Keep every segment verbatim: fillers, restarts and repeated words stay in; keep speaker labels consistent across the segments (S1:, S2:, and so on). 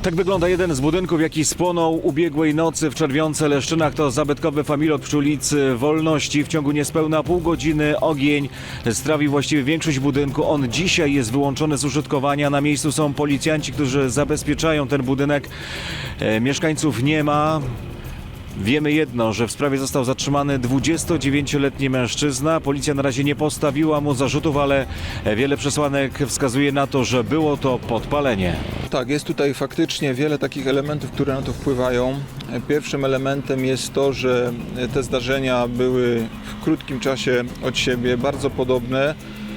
S1: Tak wygląda jeden z budynków, jaki spłonął ubiegłej nocy w Czerwionce-Leszczynach. To zabytkowy familot przy ulicy Wolności. W ciągu niespełna pół godziny ogień strawił właściwie większość budynku. On dzisiaj jest wyłączony z użytkowania. Na miejscu są policjanci, którzy zabezpieczają ten budynek. E, mieszkańców nie ma. Wiemy jedno, że w sprawie został zatrzymany dwudziestodziewięcioletni mężczyzna. Policja na razie nie postawiła mu zarzutów, ale wiele przesłanek wskazuje na to, że było to podpalenie.
S2: Tak, jest tutaj faktycznie wiele takich elementów, które na to wpływają. Pierwszym elementem jest to, że te zdarzenia były w krótkim czasie od siebie bardzo podobne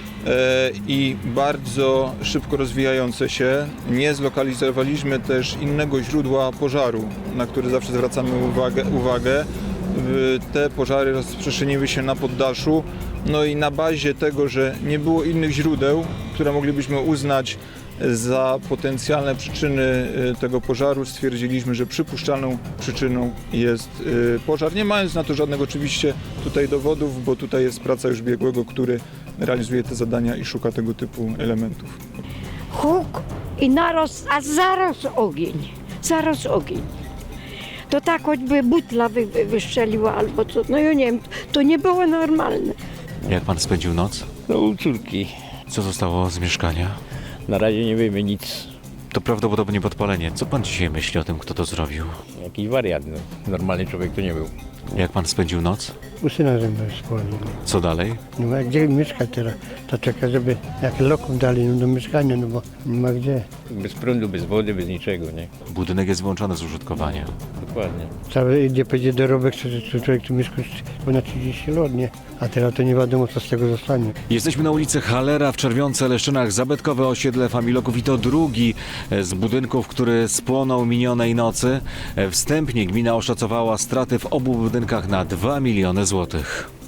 S2: i bardzo szybko rozwijające się. Nie zlokalizowaliśmy też innego źródła pożaru, na który zawsze zwracamy uwagę. uwagę. Te pożary rozprzestrzeniły się na poddaszu, no i na bazie tego, że nie było innych źródeł, które moglibyśmy uznać za potencjalne przyczyny tego pożaru, stwierdziliśmy, że przypuszczalną przyczyną jest pożar, nie mając na to żadnych oczywiście tutaj dowodów, bo tutaj jest praca już biegłego, który realizuje te zadania i szuka tego typu elementów.
S3: Huk i naraz, a zaraz ogień, zaraz ogień. To tak choćby butla wy, wy, wystrzeliła albo co, no ja nie wiem, to nie było normalne.
S1: Jak pan spędził noc?
S4: No u córki.
S1: Co zostało z mieszkania?
S4: Na razie nie wiemy nic.
S1: To prawdopodobnie podpalenie. Co pan dzisiaj myśli o tym, kto to zrobił?
S4: Jakiś wariat, no. Normalny człowiek to nie był.
S1: Jak pan spędził noc?
S5: U syna ze mną wspólnie.
S1: Co dalej?
S5: No ma gdzie mieszkać teraz? To czeka, żeby jak lokum dali no, do mieszkania, no bo nie ma gdzie.
S4: Bez prądu, bez wody, bez niczego, nie?
S1: Budynek jest wyłączony z użytkowania.
S4: Dokładnie.
S5: Cały idzie będzie dorobek, co, co człowiek tu mieszka ponad trzydzieści lat, nie? A teraz to nie wiadomo, co z tego zostanie.
S1: Jesteśmy na ulicy Halera w Czerwionce-Leszczynach, zabytkowe osiedle Familoków i to drugi z budynków, który spłonął minionej nocy. Wstępnie gmina oszacowała straty w obu budynkach na dwa miliony złotych.